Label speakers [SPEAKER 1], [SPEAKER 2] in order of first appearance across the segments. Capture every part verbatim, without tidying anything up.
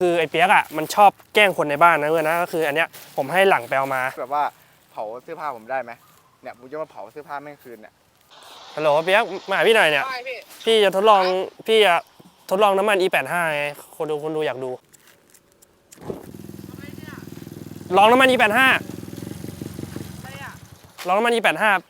[SPEAKER 1] คือไอ้เปียกอ่ะมันชอบแกล้งคนในบ้านนะเพื่อนนะก็คืออันเนี้ยผมให้หลังไปเอามา
[SPEAKER 2] แบบว่าเผาเสื้อผ้าผมได้ไหมเนี่ยผมจะมาเผาเสื้อผ้าแม่งคืนเนี่ย
[SPEAKER 1] ฮัลโหลเปียกมาหาพี่หน่อยเนี่ยพี่จะทดลองพี่จะทดลองน้ำมัน อี แปดสิบห้า ไงคนดูคนดูอยากดูลองน้ำมัน อี แปดสิบห้า ลองน้ำมัน อี แปดสิบห้า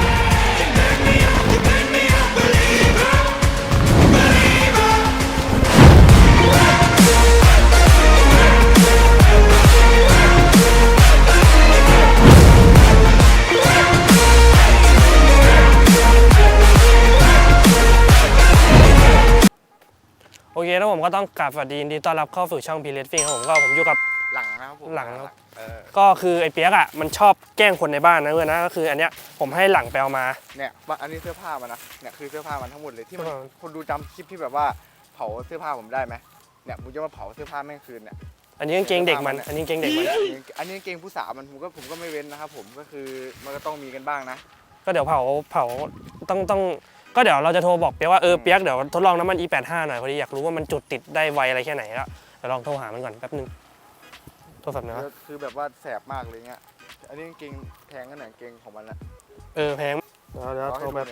[SPEAKER 1] โอเคแล้วผมก็ต้องกราบสวัสดียินดีต้อนรับเข้าสู่ช่องพีเรสฟิงครับผมก็ผมอยู่กับ
[SPEAKER 2] หลังนะครับผม
[SPEAKER 1] หลังครับก็คือไอ้เปียกอ่ะมันชอบแกล้งคนในบ้านนะเพื่อนนะก็คืออันเนี้ยผมให้หลังไปเอามา
[SPEAKER 2] เนี่ยอันนี้เสื้อผ้ามันนะเนี่ยคือเสื้อผ้ามันทั้งหมดเลยที่มันคนดูจำคลิปที่แบบว่าเผาเสื้อผ้าผมได้ไหมเนี่ยผมจะมาเผาเสื้อผ้าแม่งคืนเนี่ย
[SPEAKER 1] อันนี้กางเกงเด็กมันอันนี้กางเกงเด็กมัน
[SPEAKER 2] อันนี้กางเกงผู้สาวมันผมก็ผมก็ไม่เว้นนะครับผมก็คือมันก็ต้องมีกันบ้างนะ
[SPEAKER 1] ก็เดี๋ยวเผาเผาต้องต้องก็เดี๋ยวเราจะโทรบอกเปียกว่าเออเปียกเดี๋ยวทดลองน้ำมัน อี แปดสิบห้า หน่อยพอดีอยากรู้ว่ามันจุดติดได้ไวอะไรแค่ไหนแล้วเดี๋ยวลองโทรหามันก่อนแป๊บนึงโทรศัพท์นะ
[SPEAKER 2] คือแบบว่าแสบมากเลยเงี้ยอันนี้กางเกงแพงกันหน่อยกางเกงของมันละ
[SPEAKER 1] เออแพงเดี๋ยวเดี๋ยวโทรแบบ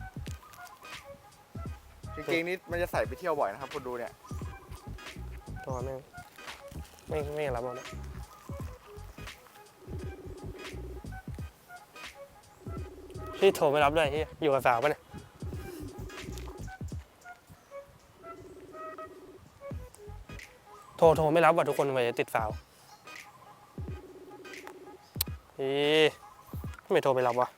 [SPEAKER 2] กางเกงนี้มันจะใส่ไปเที่ยวบ่อยนะครับคนดูเนี่ย
[SPEAKER 1] โทรไม่ไม่ไม่รับแล้วนะที่โทรไม่รับด้วยที่อยู่กับสาวป่ะเนี่ยโทรโทรไม่รับว่ะทุกคนไปติดสาวเฮ้ยไม่โทรไปรับวะ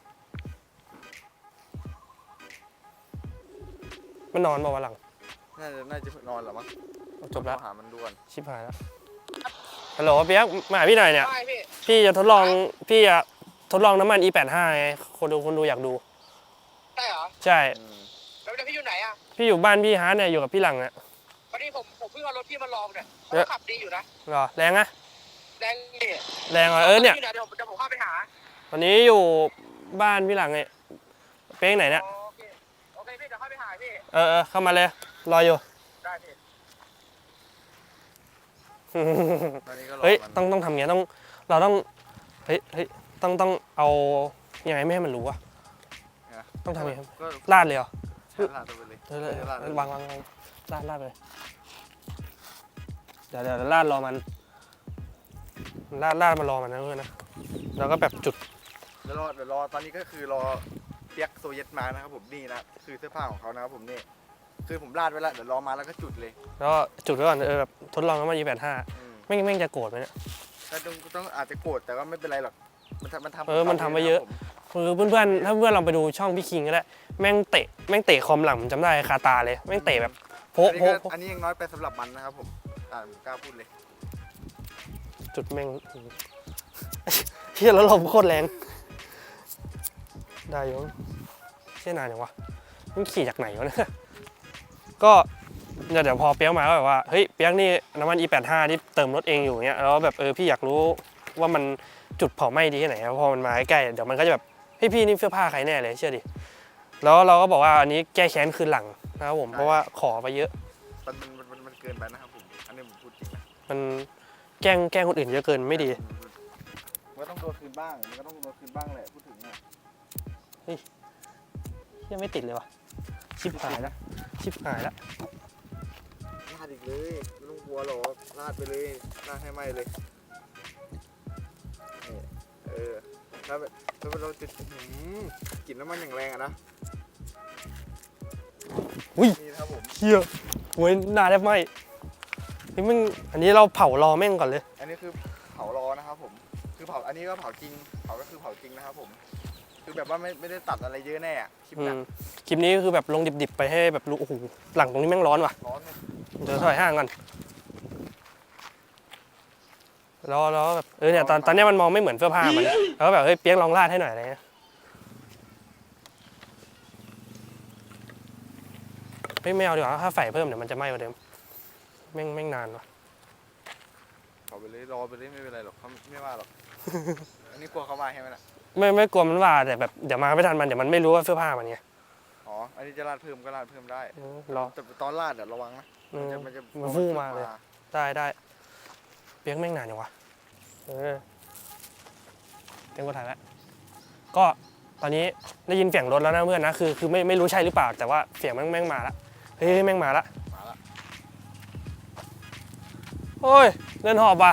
[SPEAKER 1] มันนอนบอกว่าหลัง
[SPEAKER 2] น่าจะน่าจะนอนหรอมั้ง
[SPEAKER 1] จบแล้ว
[SPEAKER 2] หามันด่วน
[SPEAKER 1] ชิบหายแล้วฮัลโหลเปียกมาหาพี่หน่อยเนี่ยพี่จะทดลองพี่จะทดลองน้ำมัน อี แปดสิบห้า ไงคนดูคนดูอยากดู
[SPEAKER 3] ใช่เหรอ
[SPEAKER 1] ใช่
[SPEAKER 3] แล้วพี่อยู่ไหนอ่ะ
[SPEAKER 1] พี่อยู่บ้านพี่ฮาร์ดเนี่ยอยู่กับพี่หลังอ่ะ
[SPEAKER 3] พอดีผมผมเพิ่งเอารถพี่มาลองเนี่ยเขาขับดีอยู่นะ
[SPEAKER 1] หรอแรงอะ
[SPEAKER 3] แรงดิ
[SPEAKER 1] แรงเหรอเออเนี่ย
[SPEAKER 3] เดี๋ยวผมจะผมเข้าไปหา
[SPEAKER 1] ตอนนี้อยู่บ้านพี่หลังเนี่ยเป้งไหนเนี่ย
[SPEAKER 3] โอเคโอเคพี่เดี๋ยวเข้าไปหาพี่
[SPEAKER 1] เออเออเข้ามาเลยรออยู่
[SPEAKER 3] ได้พี่
[SPEAKER 1] เฮ้ยต้องต้องทำอย่างเงี้ยต้องเราต้องเฮ้ยเฮ้ยต้องต้องเอายังไงไม่ให้มันรู้อะต้องทำยังไงลาดเลยเหรอ
[SPEAKER 2] ลาดไปเลย
[SPEAKER 1] เออวางวางลาดลาดไปเดี๋ยวเดี๋ยวลาดรอมันลาดลาดมารอมันนะเพื่อนนะแล้วก็แบบจุด
[SPEAKER 2] เดี๋ยวรอเดี๋ยวรอตอนนี้ก็คือรอเปียกโซเยตมานะครับผมนี่นะคือเสื้อผ้าของเขานะครับผมนี่คือผมลาดไว้แล้วเดี๋ยวรอมาแล้วก็จุดเลย
[SPEAKER 1] แล้วจุดไว้ก่อนเออแบบทดลองน้ำมัน อี แปดสิบห้า ไม่ไม่จะโกรธไหมเนี่ย
[SPEAKER 2] แต่ต้องต้องอาจจะโกรธแต่ก็ไม่เป็นไรหรอกมันทำมันทำ
[SPEAKER 1] เออมันทำไปเยอะคือเพื่อนๆถ้าเพื่อนเราไปดูช่องพี่คิงก็ได้แม่งเตะแม่งเตะคอมหลังผมจำได้คาตาเลยแม่งเตะแบบโผล่โผล่
[SPEAKER 2] อันนี้ยังน้อยไปสำหรับมันนะครับผมอ่าผมกล้าพูดเลย
[SPEAKER 1] จุดแม่งเฮียแล้วลมโคตรแรงได้ยงเชี่ยนานอย่างวะมันขี่จากไหนวะเนี่ยก็เดี๋ยวพอเปียกมาก็แบบว่าเฮ้ยเปียกนี่น้ำมัน อี แปดสิบห้า ที่เติมรถเองอยู่เงี้ยแล้วแบบเออพี่อยากรู้ว่ามันจุดเผาไหม้ดีแค่ไหนพอมันมาใกล้เดี๋ยวมันก็จะแบบให้พี่นี่เสื้อผ้าใครแน่เลยเชื่อดิแล้วเราก็บอกว่าอันนี้แก้แค้นคืนหลังนะครับผมเพราะว่าขอไปเยอะ
[SPEAKER 2] มันมันมันมันเกินไปนะครับผมอันนี้ผมพูดจริงนะ
[SPEAKER 1] มันแกล้งแกล้งคนอื่นเยอะเกินไม่ดี
[SPEAKER 2] มันก็ต้องโดนคืนบ้างมันก็ต้องโดนคืนบ้างแหละพูดถึงอ่ะ
[SPEAKER 1] เฮ้ยยังไม่ติดเลยวะชิบหายแล้วชิบหายแล้ว
[SPEAKER 2] ลาดอีกเลยไม่ต้องกลัวหรอกลาดไปเลยลาดให้ไหมเลยนี่เออแล้วแล้วเราจะกลิ่นน้ำมันอย่างแรงอะนะ
[SPEAKER 1] อุ้ย
[SPEAKER 2] นี่ครับผม
[SPEAKER 1] เฮียโว้ยหน้าแทบไหมนี่มึงอันนี้เราเผารอแม่งก่อนเลย
[SPEAKER 2] อันนี้คือเผารอนะครับผมคือเผาอันนี้ก็เผาจริงเผาก็คือเผาจริงนะครับผมคือแบบว่าไม่ไม่ได้ตัดอะไรเยอะแน่คลิปนี้
[SPEAKER 1] คลิปนี้คือแบบลงดิบๆไปให้แบบรู้โอ้โหหลังตรงนี้แม่งร้อนว่ะ
[SPEAKER 2] ร้อนเลย
[SPEAKER 1] เดี๋ยวถอยห่างก่อนแล้วแล้วแบบเออเนี่ยตอนตอนนี้มันมองไม่เหมือนเสื้อผ้ามันแล้วแบบเฮ้ยเปี๊ยกลองลาดให้หน่อยอะไรเงี้ยไม่ไม่เอาดีกว่าถ้าใส่เพิ่มเดี๋ยวมันจะไหม้กว่าเดิมแม่งแม่งนานว่ะ
[SPEAKER 2] ขอไปเลยรอไปเลยไม่เป็นไรหรอกเขาไม่ว่าหรอกอันนี้กลัวเขามาใช่ไหมล่ะ
[SPEAKER 1] ไม่ไม่กลัวมันว่าแต่แบบเดี๋ยวมาไม่ทันมันเดี๋ยวมันไม่รู้ว่าเสื้อผ้ามันไง
[SPEAKER 2] อ๋ออันนี้จะลาดเพิ่มก็ลาดเพิ่มได้
[SPEAKER 1] รอ
[SPEAKER 2] แต่ตอนลาดเดี๋ยวระวังนะ
[SPEAKER 1] มันจะมันฟุ้งมาเลยได้ได้เปียกแม่งนานจังวะเออเต็มกว่าถ่ายแล้วก็ตอนนี้ได้ยินเสียงรถแล้วนะเพื่อนนะคือคือไม่ไม่รู้ใช่หรือเปล่าแต่ว่าเสียงแม่งแม่งมาละเฮ้ยแม่งมาละ
[SPEAKER 2] มาละ
[SPEAKER 1] โอ้ยเดินหอบว่ะ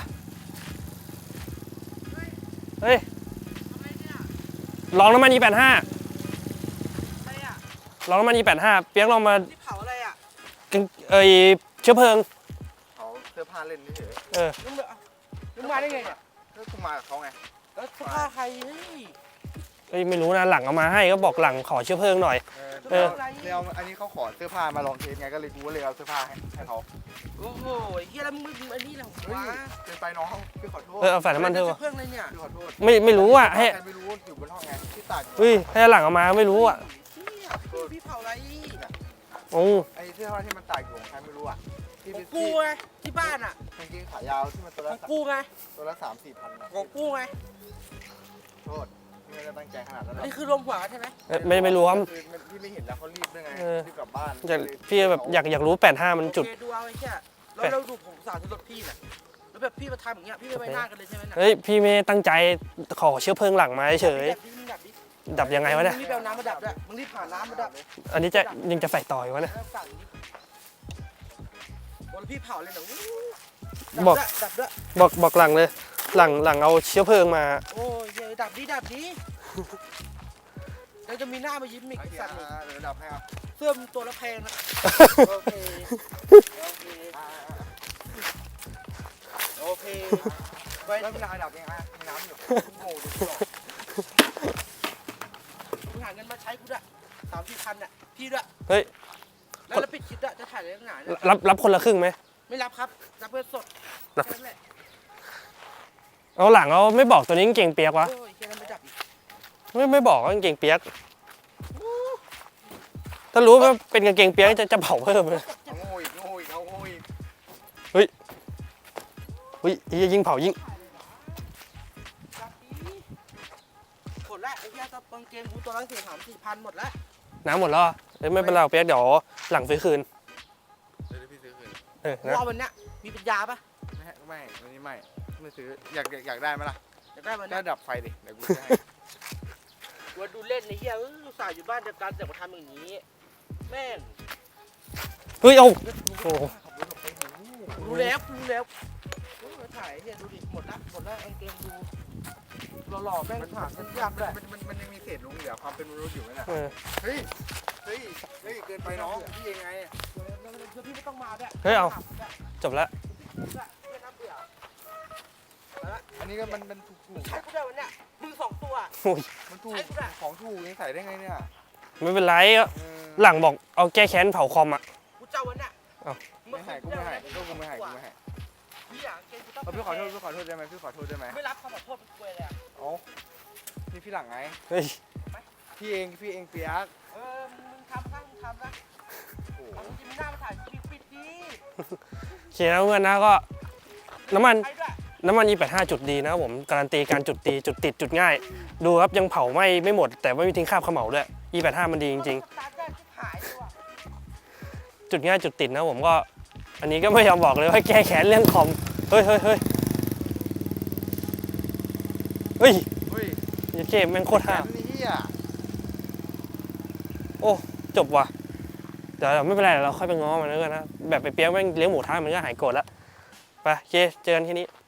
[SPEAKER 1] เฮ้ยลองน้ำมัน อี แปดห้า
[SPEAKER 3] อะไรอ่ะ
[SPEAKER 1] ลองน้ำมัน อี แปดห้า เปียกลองมา
[SPEAKER 3] ที่เผาอะไรอ่ะ
[SPEAKER 1] เอ้ยเชื้อเพลิง
[SPEAKER 2] เขาเสื้อผ้าเล่นเฉย
[SPEAKER 1] เออ
[SPEAKER 3] มึงมามึงมาได้ไงเนี่ย
[SPEAKER 2] ๆก็กูมากับเขาไง
[SPEAKER 3] แล้วเสื้อผ้าใครเฮ้ย
[SPEAKER 1] เอ้ยไม่รู้นะหลังเอามาให้ก็บอกหลังขอเชื้อเพลิงหน่อย
[SPEAKER 2] เออ
[SPEAKER 1] เออ
[SPEAKER 2] เดี๋ยวอันนี้เขาขอเสื้อผ้ามาลองเทสไงก็เลยกูก็เลยเอาเสื้อผ้าให้ให้เขา
[SPEAKER 3] โอ้โหไอ้เฮียแล้วมึงมึงอันนี้แหละ
[SPEAKER 2] เฮ้ยว
[SPEAKER 3] ะ
[SPEAKER 2] เกินไปน้องพี่ขอโทษ
[SPEAKER 1] เออเอาใส่น้ำมันเถอะวะ
[SPEAKER 3] เพื่อนเลยเนี่ย
[SPEAKER 2] พี่ขอโทษ
[SPEAKER 1] ไม่ไม่รู้อ่ะให้
[SPEAKER 2] ใครไม่รู้อยู่บนห้องไงที่ตากอยู่
[SPEAKER 1] เฮ้ยให้หลังเอามาไม่รู้อ่ะ
[SPEAKER 3] เฮียพี่พี่เผาอะไร
[SPEAKER 1] โอ้
[SPEAKER 2] ไอ้เสื้อผ้าที่มันตากอยู่ของใครไม่รู้อ่ะที่
[SPEAKER 3] ของ
[SPEAKER 2] ที่
[SPEAKER 3] กูไงที่บ้านอ่ะ
[SPEAKER 2] กางเกงขายาวที่มันตัว
[SPEAKER 3] ข
[SPEAKER 2] ละ
[SPEAKER 3] องกูไง
[SPEAKER 2] ตัวละสามสี่พันนะ
[SPEAKER 3] ของกูไง
[SPEAKER 2] โทษพี่ไม่ได้ตั้งใจขนาดนั้นหร
[SPEAKER 3] อั
[SPEAKER 2] อน ก
[SPEAKER 3] นี้คือรวมหัวกันใช่ไหม
[SPEAKER 1] เอ้ยไม่ไม่รู้ครับ
[SPEAKER 2] คือมันพี่ไม่เห็นแล้วเขารีบด้วยไง
[SPEAKER 1] เออ
[SPEAKER 2] รีบกลับบ้าน
[SPEAKER 1] อยากพี่แบบอยากอยากรู้แปดห้ามันจุด
[SPEAKER 3] โอเคดูเอาไอ้เหี้ยแล้วเราดูผมสาดที่รถพี่น่ะแล้วแบบพี่มาทำอย่างเงี้ยพี่ไม่ไว้หน้ากันเลยใช่ไหมน่ะ
[SPEAKER 1] เฮ้ยพี่ไม่ตั้งใจขอเชื้อเพลิงหลังมาเฉย
[SPEAKER 3] ดับดิมึงดับดิ
[SPEAKER 1] ดับยังไงวะเนี่ย
[SPEAKER 3] มึงรีบไปเอาน้ำมาดับด้วยมึงรีบผ่าน้ำมาดับ
[SPEAKER 1] อันนี้จะยังจะใส่ต่ออยู่วะเนี่ย
[SPEAKER 3] แล้วสั่งดิโอ้แล้วพี่เผาเลยเหรอ
[SPEAKER 1] บอก
[SPEAKER 3] ดับด้วย
[SPEAKER 1] บอกบอกหลังเลย หลังหลังเอาเชื้อเพลิงมา
[SPEAKER 3] โอ้ยเฮ้ยดับดิดับดิแล้วจะมีหน้ามายิ้มอีก
[SPEAKER 2] โอ
[SPEAKER 3] ไอ้
[SPEAKER 2] เค
[SPEAKER 3] สัตว์นี่
[SPEAKER 2] อ่ะเดี๋ยวดับให้ครับ
[SPEAKER 3] เสื้อมึงตัวละแพงนะโอเคโอเค
[SPEAKER 2] อ่า
[SPEAKER 3] โอเคไป
[SPEAKER 2] แล้วเวลาดับยังไงมีน้ำอยู่โง่ดูหรอก
[SPEAKER 3] มึงหาเงินมาใช้กูด้วยสามสี่พันน่ะพี่ด้วย
[SPEAKER 1] เฮ้ย
[SPEAKER 3] แล้วแล้วปิดคลิปด้วยจะถ่ายอะไรตั้งนานเนี่ย
[SPEAKER 1] รับรับคนละครึ่งไหม
[SPEAKER 3] ไม่รับครับรับเพื่อสด
[SPEAKER 1] รับ
[SPEAKER 3] แค่นั้นแหละ
[SPEAKER 1] เอาหลังเอาไม่บอกตัวนี้กางเกงเปียกวะ
[SPEAKER 3] โอ้ยแค่นั้นไม่ดับอีก
[SPEAKER 1] ไม่ไม่บอกว่ากางเกงเปียก ถ้ารู้ว่าเป็นกางเกงเปียกจะจะเผาเพิ่มเลย
[SPEAKER 2] เอาโง่อีกโง่อีกเอาโง่อีก
[SPEAKER 1] เฮ้ยยิงเผายิง
[SPEAKER 3] ดับดิหมดละไอ้เหี้ยซับกางเกงกูตัวละสี่สามสี่พันหมดละ
[SPEAKER 1] น้ำหมดแล้วเหรอเอ้ยไม่เป็นไรหรอกเปียกเดี๋ยวหลังซื้อคืน
[SPEAKER 2] เดี๋ยวพี่ซื้อคืน
[SPEAKER 1] เออ
[SPEAKER 3] กู
[SPEAKER 1] นะ
[SPEAKER 3] เอาวันเนี้ยมีปัญญาปะ
[SPEAKER 2] ไม่ให้ไม่วันนี้ไม่ไม่ซื้ออยากอยากอยากได้ไหมล่ะ
[SPEAKER 3] อยากได้วัน
[SPEAKER 2] ก็
[SPEAKER 3] เนี้ย
[SPEAKER 2] ดับไฟดิเดี๋ยวกูจะให้
[SPEAKER 3] กูดูเล่นไอ้เหี้ยเอออุตส่าห์อยู่บ้านเดียวกันแต่มาทำอย่างนี้แม่ง
[SPEAKER 1] เฮ้ยเอาโอ้
[SPEAKER 3] รู้แล้วกูรู้แล้วโอ้ยถ่ายไอ้เหี้ยดูดิหมดละหมดละกางเกงดูหล่อๆแม่ง
[SPEAKER 2] มัน
[SPEAKER 3] ผ่าน
[SPEAKER 2] มั
[SPEAKER 3] กัน
[SPEAKER 2] น
[SPEAKER 3] ยากด้วย
[SPEAKER 2] มันมันมันยังมีเศษหลงเหลือความเป็นมนุษย์อยู่ไหมล่ะ
[SPEAKER 1] เออ
[SPEAKER 2] เฮ้ยเฮ้ยเฮ้ยเกินไปน้องพี่ยังไง
[SPEAKER 3] เดี๋ยวพี่ไม่ต้องมาด้วย
[SPEAKER 1] เฮ้ยเอาจบแล้ว
[SPEAKER 3] ไม่น่าเบื่อ
[SPEAKER 2] อันนี้ก็มันมันถูกถูก
[SPEAKER 3] ใช้กูได้วันเนี้ยมือสองตัว
[SPEAKER 1] โอ้ย
[SPEAKER 2] มันถูกของถูกยังใส่ได้ไงเนี่ย
[SPEAKER 1] ไม่เป็นไร
[SPEAKER 2] เออ
[SPEAKER 1] หลังบอกเอาแก้แค้นเผาคอมอ่ะ
[SPEAKER 3] กูเจ้าวันเนี้ย
[SPEAKER 1] เอ้า
[SPEAKER 2] ไม่ให้กูไม่ให้ก็กูไม่ให้กูไม่ให้
[SPEAKER 3] พี่อยากเกงกูต้อง
[SPEAKER 2] เอาพี่ขอโทษพี่ขอโทษได้ไหมพี่ขอโทษได้ไหม
[SPEAKER 3] ไม่รับคำขอโทษเป็นกล้วยเลยอะ
[SPEAKER 2] เอ้านี่พี่หลังไง
[SPEAKER 1] เฮ้ย
[SPEAKER 2] พี่เองพี่เองเปียก
[SPEAKER 3] เออมึงทำซะมึงทำซะ
[SPEAKER 2] โอ้โห
[SPEAKER 3] เอามึงจะมีหน้ามาถ่ายคลิปปิดดี
[SPEAKER 1] โอเคนะเพื่อนนะก็น้ำมัน
[SPEAKER 3] ใช้ด้วย
[SPEAKER 1] น้ำมัน อี แปดห้า จุดดีนะครับผมการันตีการจุดตีจุดติดจุดง่าย ดูครับยังเผาไหม้ไม่หมด แต่ไม่มีทิ้งคราบเขม่าด้วย อี แปดห้า มันดีจริง
[SPEAKER 3] สตาร์ทแรกที่หายเลยว่ะ
[SPEAKER 1] ๆ จุดง่ายจุดติดนะผมก็อันนี้ก็ไม่ยอมบอกเลยว่าแก้แค้นเรื่องคอมเฮ้ยเฮ้ยเฮ้ยเฮ้ย
[SPEAKER 2] เฮ้ย
[SPEAKER 1] ยัดเกมแม่งโคตรห้า
[SPEAKER 2] นี่เฮีย
[SPEAKER 1] โอ้จบว่ะเดี๋ยวเราไม่เป็นไรเดี๋ยวเราค่อยไปง้อมันแล้วกันนะแบบไปเปี๊ยกแม่งเลี้ยงหมูท้ามันก็หายโกรธแล้วไปโอเคเจอกันที่นี้